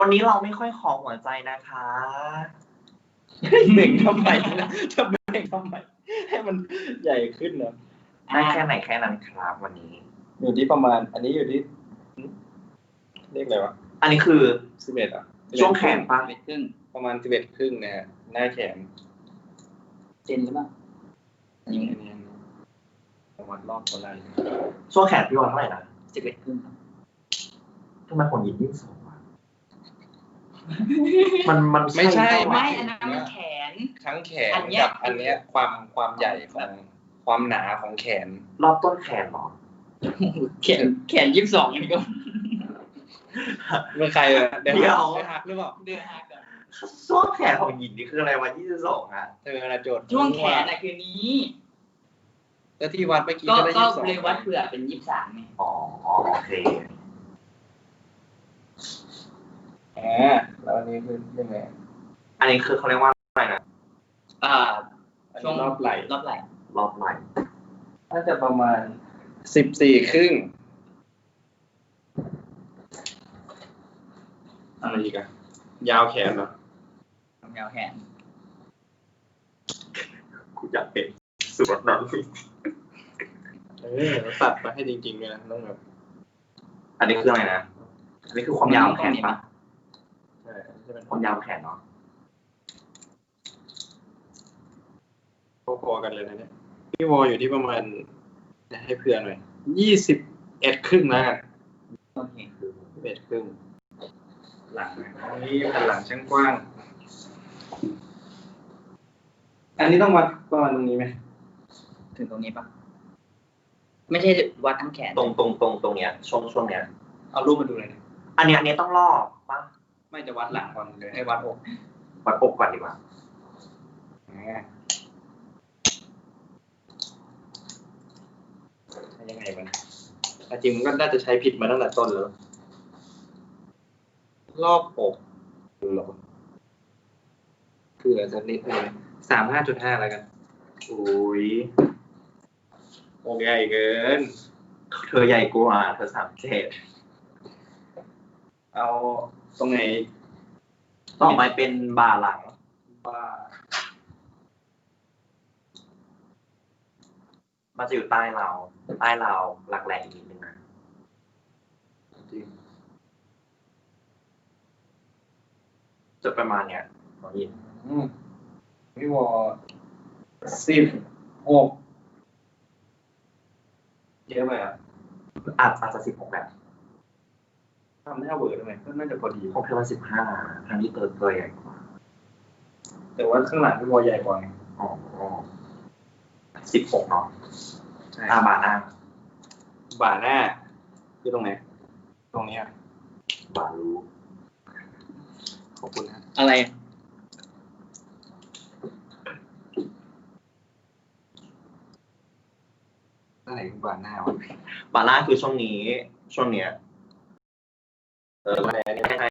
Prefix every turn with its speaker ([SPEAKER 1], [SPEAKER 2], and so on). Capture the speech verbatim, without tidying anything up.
[SPEAKER 1] วันนี้เราไม่ค่อยขอหัวใจนะคะ
[SPEAKER 2] เบ่งทำไมนะจะเบ่งทำไมให้มันใหญ่ขึ้นนะ
[SPEAKER 1] ได้แค่ไหนแค่นั้นครับวันนี้
[SPEAKER 2] อยู่ที่ประมาณ อันนี้อยู่ที่เรียกอะไรวะ
[SPEAKER 1] อันนี้คือ
[SPEAKER 2] สิบเอ็ดอ่ะ
[SPEAKER 1] ช่วงแขนปะ
[SPEAKER 3] สิบเอ็ดครึ่ง
[SPEAKER 2] ประมาณสิบเอ็ดครึ่งนะฮะหน้าแขน
[SPEAKER 3] เซนหรือเปล่า
[SPEAKER 2] อันนี้อันนี้ประมาณรอบตัวไหล่
[SPEAKER 1] ช่วงแขนพี่วันเท่าไหร่นะ
[SPEAKER 3] สิบเอ็ดครึ่งครับ
[SPEAKER 1] ทำไมคนหยิบยิ่งสูงวะมันมัน
[SPEAKER 2] ไม่ใช่
[SPEAKER 1] เปล่า
[SPEAKER 3] ไม่อันนั้นมันแขน
[SPEAKER 2] ทั้งแขน
[SPEAKER 3] อันเนี้ย
[SPEAKER 2] กับอันเนี้ยความความใหญ่ของความหนาของแขน
[SPEAKER 1] รอบต้นแขนเหรอ
[SPEAKER 3] แขนแขนยี่สิบสองนี่ก็
[SPEAKER 2] เมื่อใครอะเดี๋ยว
[SPEAKER 1] เดี๋ยว
[SPEAKER 2] หักหรือเปล่า
[SPEAKER 3] เดือดหักก่อน
[SPEAKER 1] ช่วงแขนของหยินนี่คืออะไรวะยี่สิบสองอ่ะ
[SPEAKER 2] เธอนะโจทย์
[SPEAKER 3] ช่วงแขนน่ะคือนี้
[SPEAKER 2] แล้วที่วัดเมื่อกี้
[SPEAKER 3] ก็
[SPEAKER 2] ก็ได้
[SPEAKER 3] ก็
[SPEAKER 2] ยี่สิบสอง
[SPEAKER 3] เลยวัดเผื่อเป็นยี่สิบสามไง
[SPEAKER 1] อ๋อโอเค
[SPEAKER 2] อ่าแล้วอันนี้คือยังไง
[SPEAKER 1] อันนี้คือเขาเรียกว่าอะไรนะ
[SPEAKER 3] อ่า
[SPEAKER 2] อัน
[SPEAKER 3] ช่ว
[SPEAKER 2] นี้
[SPEAKER 3] ง
[SPEAKER 2] รอบไหล่
[SPEAKER 3] รอบไหล่
[SPEAKER 1] รอบไหล่
[SPEAKER 2] น่าจะประมาณสิบสี่ครึ่งอะไรอีกอะยาวแขนเหรอ
[SPEAKER 3] ยาวแขน
[SPEAKER 1] กูอยากเป็นสุดนั้น
[SPEAKER 2] เออตัดมาให้จริงๆเลยนะต้องแบบ
[SPEAKER 1] อันนี้คืออะไรนะ อันนี้คือความยาวของแขนปะ
[SPEAKER 2] ใช่อันนี้จะเป็น
[SPEAKER 1] ความยาวของแขนเนาะ
[SPEAKER 2] พอๆกันเลยนะเนี่ยพี่วออยู่ที่ประมาณให้เพื่อนหน่อยยี่สิบเอ็ดครึ่งแล้วกัน
[SPEAKER 3] โอเค
[SPEAKER 2] สิบเอ็ดครึ่งหลังนะอันนี้แผ่นหลังช่างกว้าง อันนี้ต้องวัดประมาณตรงนี้ไหม
[SPEAKER 3] ถึงตรงนี้ปะไม่ใช่วัดทั้งแขน
[SPEAKER 1] ตรงตรงตรงตรงเนี้ยช่วงช่วงเนี้ย
[SPEAKER 2] เอารูปมาดูเลยนะ
[SPEAKER 1] อันเนี้ยอันเนี้ยต้องรอบปะ
[SPEAKER 2] ไม่จะวัดหลังก่อนเลยให้วัดอก
[SPEAKER 1] วัดอกก่อนดีกว่า
[SPEAKER 2] อ่ายังไงมันแต่จริงมันก็น่าจะใช้ผิดมาตั้งแต่ต้นแล้ว รอบอกหรอคืออาจจะนิดนึงสามห้าจุดห้าแล้วกัน
[SPEAKER 1] อุ้ย
[SPEAKER 2] โอ้ใหญ่เกิน
[SPEAKER 1] เธอใหญ่กว่าเธอสามเจ็ด
[SPEAKER 2] เอาตรงไหน
[SPEAKER 1] ต่อไปเป็นบ่าหลัง
[SPEAKER 2] ว่า
[SPEAKER 1] มันจะอยู่ใต้เรา ใต้เราหลักแหล่อีกนิดนึงนะ
[SPEAKER 2] จริง
[SPEAKER 1] จะประมาณเนี้ยน้องยิน
[SPEAKER 2] อืมพี่วอสิบหกเยอะไปอ่ะ
[SPEAKER 1] อาจอาจจะสิบหกแบบ
[SPEAKER 2] ทำหน้าเวอร์ทำไมก็น่าจะพอดี
[SPEAKER 1] ของเธอว่าสิบห้าทางนี้เติร์ตัวใหญ่กว่า
[SPEAKER 2] แต่ว่าข้างหลังพี่วอใหญ่กว่าไง
[SPEAKER 1] อ๋อสิบหกเนาะ
[SPEAKER 2] ใช่
[SPEAKER 1] อาบ่าหน้า
[SPEAKER 2] บ่าหน้าคือตรงไหน ตรงนี้อ่ะ
[SPEAKER 1] บ่ารู้
[SPEAKER 2] ขอบคุณนะ
[SPEAKER 3] อะไร
[SPEAKER 2] อะไรคือบ่าหน้าวะ
[SPEAKER 1] บ่าหน้าคือช่วงนี้ ช่วงเนี้ย เออไม่ไม่ใช่